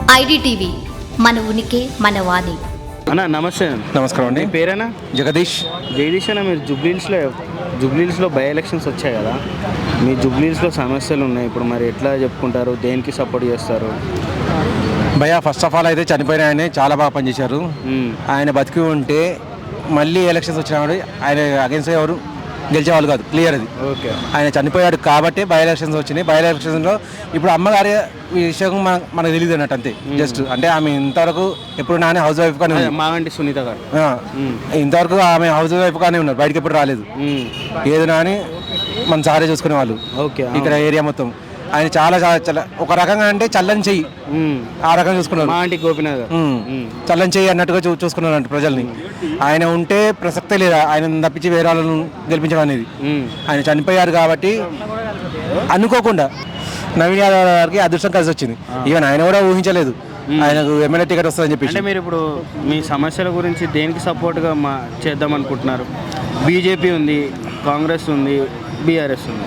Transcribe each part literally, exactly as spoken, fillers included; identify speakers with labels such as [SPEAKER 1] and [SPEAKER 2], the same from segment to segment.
[SPEAKER 1] IDTV మన ఉనికి మన వాణి.
[SPEAKER 2] అన్న నమస్తే.
[SPEAKER 3] నమస్కారం అండి.
[SPEAKER 2] మీ పేరేనా?
[SPEAKER 3] జగదీష్.
[SPEAKER 2] జగదీష్ అన్న, మీరు జూబ్లీహిల్స్లో జూబ్లీహిల్స్లో బై ఎలక్షన్స్ వచ్చాయి కదా, మీ జూబ్లీహిల్స్లో సమస్యలు ఉన్నాయి. ఇప్పుడు మరి ఎట్లా చెప్పుకుంటారు, దేనికి సపోర్ట్ చేస్తారు?
[SPEAKER 3] భయ్యా, ఫస్ట్ ఆఫ్ ఆల్ అయితే చనిపోయిన ఆయన చాలా బాగా పనిచేశారు. ఆయన బతికి ఉంటే మళ్ళీ ఎలక్షన్స్ వచ్చినప్పుడు ఆయన అగెన్స్ట్ ఎవరు గెలిచేవాళ్ళు కాదు, క్లియర్ అది.
[SPEAKER 2] ఓకే.
[SPEAKER 3] ఆయన చనిపోయాడు కాబట్టి బై ఎలక్షన్స్ వచ్చినాయి. బై ఎలక్షన్స్లో ఇప్పుడు అమ్మగారి విషయం మన మనకు తెలియదు అన్నట్టు, అంతే. జస్ట్ అంటే ఆమె ఇంతవరకు ఎప్పుడు నానే హౌస్ వైఫ్ కానీ
[SPEAKER 2] మావంటి సునీత గారు
[SPEAKER 3] ఇంతవరకు ఆమె హౌస్ వైఫ్ కానీ ఉన్నారు, బయటకి ఎప్పుడు రాలేదు. ఏదైనా అని మన సారే చూసుకునే వాళ్ళు.
[SPEAKER 2] ఓకే.
[SPEAKER 3] ఇక్కడ ఏరియా మొత్తం ఆయన చాలా చాలా ఒక రకంగా అంటే చల్లని చెయ్యి, ఆ రకంగా చూసుకున్నారు.
[SPEAKER 2] మా ఆంటీ గోపినాథ్
[SPEAKER 3] చల్లని చెయ్యి అన్నట్టుగా చూ చూసుకున్నారు అంటే ప్రజల్ని. ఆయన ఉంటే ప్రసక్తే లేదా ఆయన తప్పించి వేరే వాళ్ళను గెలిపించడం అనేది. ఆయన చనిపోయారు కాబట్టి అనుకోకుండా నవీన్ యాదవ్ గారికి అదృష్టం కలిసి వచ్చింది. ఈవెన్ ఆయన కూడా ఊహించలేదు ఆయనకు ఎమ్మెల్యే టికెట్ వస్తుందని చెప్పి.
[SPEAKER 2] అంటే మీరు ఇప్పుడు మీ సమస్యల గురించి దేనికి సపోర్ట్గా మా చేద్దాం అనుకుంటున్నారు? బీజేపీ ఉంది, కాంగ్రెస్ ఉంది, బీఆర్ఎస్ ఉంది.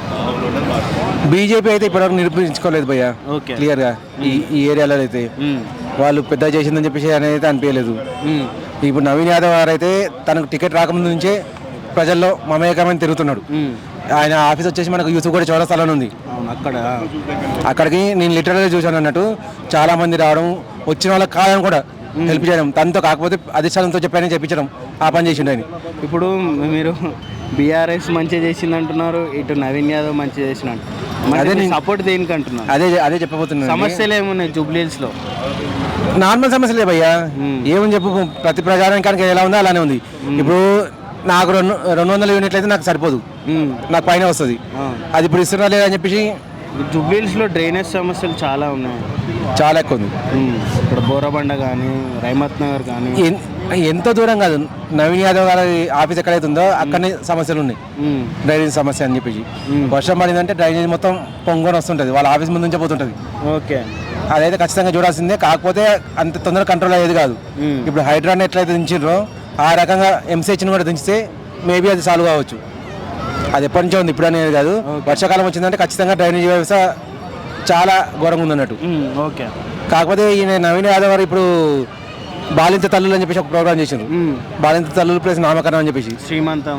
[SPEAKER 3] బీజేపీ అయితే ఇప్పటివరకు నిరూపించుకోలేదు భయ్యా, క్లియర్గా. ఈ ఈ ఏరియాలో అయితే వాళ్ళు పెద్ద చేసిందని చెప్పేసి అనేది అనిపించలేదు. ఇప్పుడు నవీన్ యాదవ్ గారు అయితే తనకు టికెట్ రాకముందు నుంచే ప్రజల్లో మమేకమని తిరుగుతున్నాడు. ఆయన ఆఫీస్ వచ్చేసి మనకు యూసుఫ్ కూడా చౌరస్తాలో ఉంది.
[SPEAKER 2] అక్కడ
[SPEAKER 3] అక్కడికి నేను లిటరల్గా చూశాను అన్నట్టు, చాలా మంది రావడం, వచ్చిన వాళ్ళకి కాదని కూడా హెల్ప్ చేయడం, తనతో కాకపోతే అధిష్టానంతో చెప్పానని చెప్పించడం, ఆ పని చేసిండు ఆయన.
[SPEAKER 2] ఇప్పుడు మీరు బీఆర్ఎస్ మంచిగా చేసింది అంటున్నారు, ఇటు నవీన్ యాదవ్ మంచిగా చేసినట్టు. అదే సపోర్ట్ దేనికి అంటున్నారు? అదే
[SPEAKER 3] అదే చెప్పబోతున్నాను.
[SPEAKER 2] సమస్యలు ఏమున్నాయి జూబ్లీహిల్స్లో?
[SPEAKER 3] నార్మల్ సమస్యలే భయ్యా, ఏమని చెప్పు. ప్రతి ప్రజానికానికి ఎలా ఉందో అలానే ఉంది. ఇప్పుడు నాకు రెండు రెండు వందల యూనిట్లు అయితే నాకు సరిపోదు, నాకు పైన వస్తుంది. అది ఇప్పుడు ఇస్తున్నా లేదని చెప్పేసి
[SPEAKER 2] జూబ్లీహిల్స్లో డ్రైనేజ్ సమస్యలు చాలా ఉన్నాయి,
[SPEAKER 3] చాలా ఎక్కువ ఉంది.
[SPEAKER 2] ఇక్కడ బోరబండ కానీ, రైమత్ నగర్ కానీ,
[SPEAKER 3] ఎంత దూరం కాదు నవీన్ యాదవ్ గారి ఆఫీస్ ఎక్కడైతే ఉందో అక్కడనే సమస్యలు ఉన్నాయి. డ్రైనేజ్ సమస్య అని చెప్పేసి వర్షం పడిందంటే డ్రైనేజ్ మొత్తం పొంగొని వస్తుంటుంది, వాళ్ళ ఆఫీస్ ముందు నుంచే పోతుంటుంది.
[SPEAKER 2] ఓకే.
[SPEAKER 3] అదైతే ఖచ్చితంగా చూడాల్సిందే, కాకపోతే అంత తొందరగా కంట్రోల్ అయ్యేది కాదు. ఇప్పుడు హైడ్రాన్ ఎట్లయితే దించారో ఆ రకంగా ఎంసీహెచ్ని కూడా దించితే మేబీ అది సాల్వ్ కావచ్చు. అది ఎప్పటి నుంచో ఉంది, ఇప్పుడు అనేది కాదు. వర్షాకాలం వచ్చిందంటే ఖచ్చితంగా డ్రైనేజ్ వ్యవస్థ చాలా ఘోరంగా ఉందన్నట్టు.
[SPEAKER 2] ఓకే.
[SPEAKER 3] కాకపోతే ఈయన నవీన్ యాదవ్ గారు ఇప్పుడు బాలింత తల్లులు అని చెప్పేసి ఒక ప్రోగ్రామ్ చేశారు. బాలింత తల్లులు ప్లస్ నామకరణం అని చెప్పేసి
[SPEAKER 2] శ్రీమంతం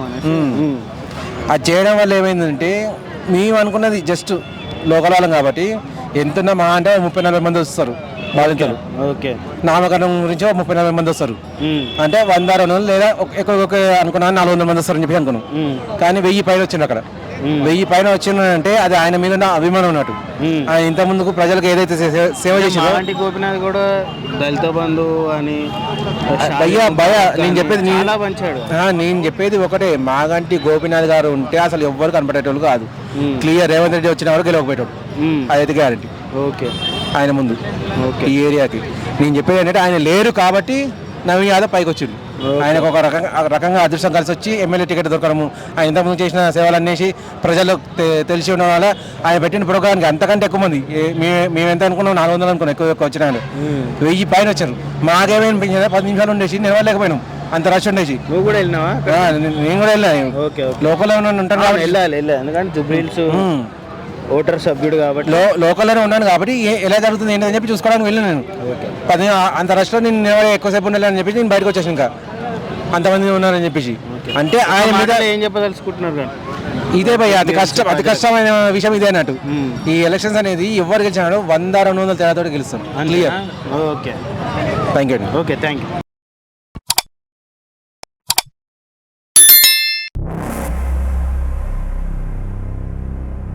[SPEAKER 3] అది చేయడం వల్ల ఏమైందంటే, మేము అనుకున్నది జస్ట్ లోకల్ వాళ్ళం కాబట్టి ఎంతున్నా మా అంటే ముప్పై నలభై మంది వస్తారు బాలింతలు.
[SPEAKER 2] ఓకే.
[SPEAKER 3] నామకరణం గురించి ముప్పై నలభై మంది వస్తారు అంటే వంద రెండు వందలు లేదా ఎక్కువ ఒక అనుకున్నా నాలుగు వందల మంది వస్తారని చెప్పి అనుకున్నాం. కానీ వెయ్యి పైన వచ్చింది అక్కడ. వెయ్యి పైన వచ్చిందంటే అది ఆయన మీద నా అభిమానం ఉన్నట్టు. ఆయన ఇంత ముందుకు ప్రజలకు ఏదైతే సేవ చేసిందో.
[SPEAKER 2] గోపినాథ్ కూడా దళిత బంధు అని
[SPEAKER 3] భయ్యా భయ నేను చెప్పేది నేను చెప్పేది ఒకటే, మాగంటి గోపినాథ్ గారు ఉంటే అసలు ఎవ్వరు కనపడేటోళ్ళు కాదు. క్లియర్ రేవంత్ రెడ్డి వచ్చిన వరకు గెలవకపోయేటోడు, అదైతే గ్యారంటీ.
[SPEAKER 2] ఓకే.
[SPEAKER 3] ఆయన ముందు ఈ ఏరియాకి నేను చెప్పేది ఏంటంటే ఆయన లేరు కాబట్టి నవీన్ యాదవ్ పైకి వచ్చిండు. ఆయనకు ఒక రకంగా రకంగా అదృష్టం కలిసి వచ్చి ఎమ్మెల్యే టికెట్ దొరకడము, ఆయన ఇంతకుముందు చేసిన సేవలు అనేసి ప్రజలకు తెలిసి ఉండడం వల్ల ఆయన పెట్టిన ప్రోగ్రామ్కి అంతకంటే ఎక్కువ మంది, మేము ఎంత అనుకున్నాం నాలుగు వందలు అనుకున్నాం, ఎక్కువ ఎక్కువ వచ్చిన వెయ్యి పైన వచ్చారు. మాకేమైనా పది నిమిషాలు ఉండేసి నిలవలేకపోయినాం, అంత రష్ ఉండేసి.
[SPEAKER 2] నువ్వు కూడా వెళ్ళినావా?
[SPEAKER 3] నేను కూడా వెళ్ళా, లోకల్లో ఉంటాను కాబట్టి.
[SPEAKER 2] వెళ్ళాలి ఎందుకంటే జూబ్లీహిల్స్ ఓటర్ సభ్యుడు కాబట్టి
[SPEAKER 3] లోకల్లోనే ఉన్నాను కాబట్టి ఎలా జరుగుతుంది ఏంటని చెప్పి చూసుకోవడానికి వెళ్ళాను నేను. పది అంత రష్లో నేను నిలబడి ఎక్కువసేపు ఉండాలని చెప్పేసి నేను బయటకు వచ్చేసాను. ఇంకా అంతమంది ఉన్నారని చెప్పేసి అంటే ఆయన మీద
[SPEAKER 2] ఏం చెప్పదలుచుకుంటున్నారు?
[SPEAKER 3] ఇదే భయ్య అతి కష్టం అతి కష్టమైన విషయం ఇదే అన్నట్టు. ఈ ఎలక్షన్స్ అనేది ఎవరు గెలిచినాడు వంద రెండు వందల తేడాతో గెలుస్తారు. Clear.
[SPEAKER 2] Okay.
[SPEAKER 3] Thank you.
[SPEAKER 2] Okay, thank you.